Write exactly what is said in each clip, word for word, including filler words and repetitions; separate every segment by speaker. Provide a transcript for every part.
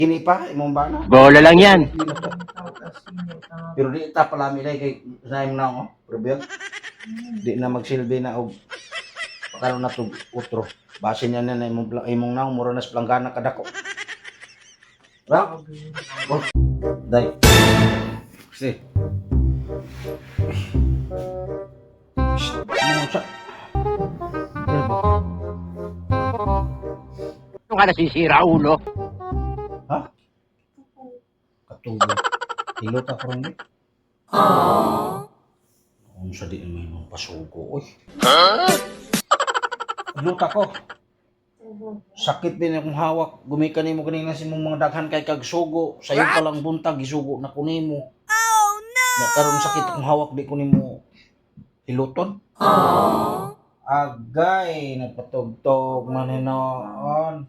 Speaker 1: Kini pa imong bana.
Speaker 2: Bola lang yan.
Speaker 1: Pero di ta palami dai kay naim na oh. Pero di na magsilbi na og pakalo na to utro. Base niya na imong pla- imong naong mura na sa planggana kadako. Ra? Oh. Dai. Si. Ano sa?
Speaker 2: Ano ka nasisira, ulo?
Speaker 1: Ha? Katubo. Hilot ako rin eh. Kung sa di may mong pasugo, oy. Hilot ako. Sakit din akong hawak. Gumikan mo kanina si mong mga daghan kay kag sugo. Sayo pa lang buntag, isugo na ko nimo. Oh no! Nakaroon sakit akong hawak, di ko nimo hiluton. Agay, nagpatugtog maninoon.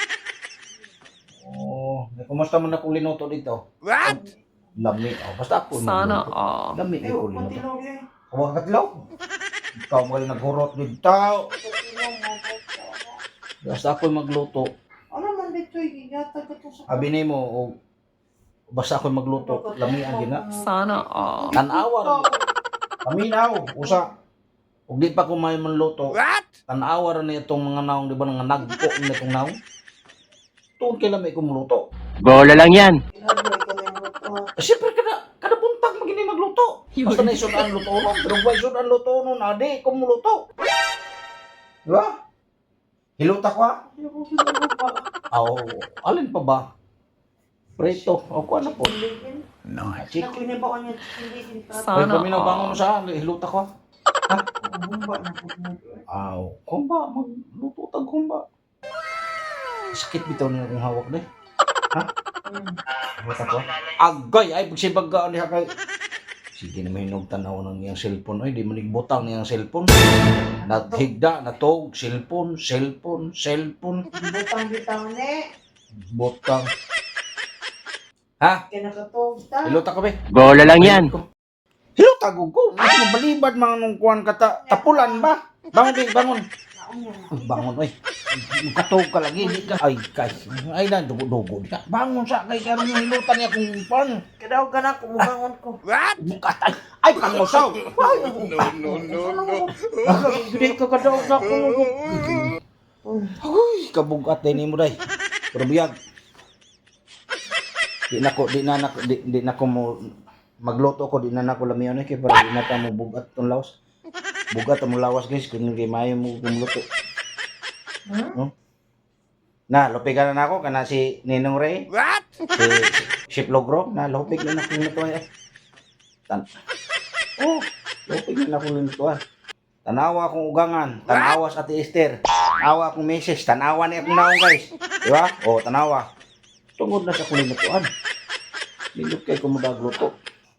Speaker 1: Oh, kumusta man akong linuto dito?
Speaker 2: What?
Speaker 1: Lami. Oh, basta ako
Speaker 3: Sana
Speaker 1: magluto.
Speaker 3: all.
Speaker 1: Lami ay ko linuto. Huwag katlaw. Ikaw mo yung naghurot dito. Basta ako magluto.
Speaker 4: Ano man dito yata gato sa
Speaker 1: Abi ni mo, oh, basta ako magluto. Lami ang gina.
Speaker 3: Sana all.
Speaker 1: Tanawa rin. Paminaw, usa. Ug di pa ko may manluto.
Speaker 2: What?
Speaker 1: Tanawa rin itong mga naong, di ba, nga nagpo na itong naong. Tuon kay lamay ko magluto.
Speaker 2: Bola lang yan.
Speaker 4: Hardware ka na mo.
Speaker 1: Eh, siyempre, kada, kada buntag magini magluto. Basta na isod ang luto nun. Pero ba isod ang luto nun, adi, kung muluto. Di ba? Hiluta ko ha? Aw, alin pa ba? Preto. O, kuha na po.
Speaker 2: Nice.
Speaker 1: Chicken.
Speaker 4: Nakuha niya ba kanya hindi din pa.
Speaker 1: Ay,
Speaker 3: Sana
Speaker 1: paminaw bangon mo
Speaker 3: all.
Speaker 1: sa hiluta ko ha?
Speaker 4: Bumba na po mo.
Speaker 1: Aw, kumba, magluto tag kumba. Sakit bitaw niya kung hawak na eh. Ha? Hiluta ko? Agay, ay, pagsibagaan niya kay... Sige na may tanaw ng iyang cellphone. Ay, di manigbutang niyang cellphone. Naghigda, natog, cellphone, cellphone, cellphone,
Speaker 4: Butang bitaw ne.
Speaker 1: butang. Ha?
Speaker 4: Kaya nakatog ta.
Speaker 1: Hiluta ko be?
Speaker 2: Bola lang yan.
Speaker 1: Hiluta ko ko. Ano balibad mga nung kuhan ka ta, tapulan ba? Bangon be, bangon.
Speaker 4: Naon niya.
Speaker 1: Ay, bangon, oy. Katog ka lagi, di ka. Ay, kay. Ay, na, dugo-dugo di ka. Bangon sa kay, karoon yung hilutan niya kung pan.
Speaker 4: Kadaw ka na kumubangon ko.
Speaker 2: What?
Speaker 1: Bukatay. Ay, pangusaw. Ay,
Speaker 2: No, no, no, no.
Speaker 1: Hindi ka kadaw sa kung... Uy, kabugat din mo day. Pero biyag. Di na ko, di na na, di, di na ko mo magluto ko, di na na ko lamiyon eh, kaya para di na ta mo bugat tong lawas. Bugat mo lawas guys, kung hindi mayo mo kumluto.
Speaker 4: Hmm?
Speaker 1: No? Na, lupigan na ako, kana si Ninong Ray,
Speaker 2: What?
Speaker 1: si Ship Logro, na lupig na ako nito eh. Tan oh, lupig na ako nito eh. Tanawa akong ugangan, tanawa sa Ate Esther, tanawa akong misis, tanawa ni akong naong guys. Di ba? O, tanawa. Tungod na sa kulinutuan. Nindot kay kumudagluto.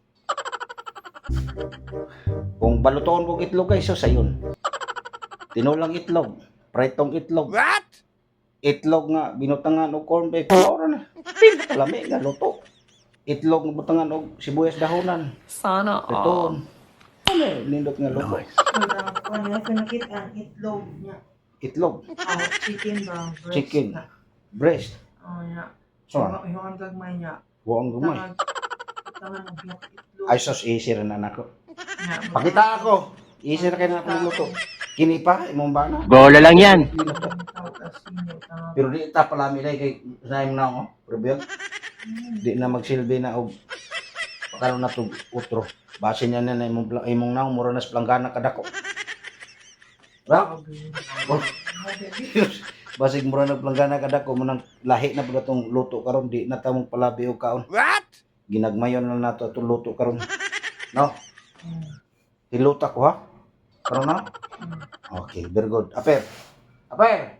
Speaker 1: Kung balutoon kong itlog guys, so sayon. Tinulang itlog, pritong itlog,
Speaker 2: What?
Speaker 1: itlog nga binutangan og corn beef. Ora na. Pinalami nga luto. Itlog nga butangan og sibuyas dahonan.
Speaker 3: Sana all.
Speaker 1: Pritoon. Ano eh, nindot nga luto.
Speaker 4: Ano niya pinakita ang itlog niya.
Speaker 1: Itlog,
Speaker 4: Oh, chicken ba? Breast
Speaker 1: Chicken.
Speaker 4: na.
Speaker 1: breast.
Speaker 4: Oh, ya.
Speaker 1: So,
Speaker 4: Yung yung ang gagmay niya.
Speaker 1: buong gumay.
Speaker 4: Tangan. Tangan ng black itlog.
Speaker 1: Ay sos, easy rin na nako.
Speaker 4: Nga,
Speaker 1: Pakita ako. Easy na kayo na akong luto. Kini pa, imong bana.
Speaker 2: Bola lang yan.
Speaker 1: Pero di ta palami dai kay naim na ako. Pero biyag, di na magsilbi na og pakalo na to utro. Base niya na na imong pla- imong naong mura na sa planggana kadako. Ra? Oh. Basig mura na planggana kadako mo nang lahi na pud atong luto karon, di na ta mong palabi og kaon.
Speaker 2: What?
Speaker 1: Ginagmayon na nato atong luto karon. No? Hiluta ko ha. Karon na? Okay, very good. Aper. Aper.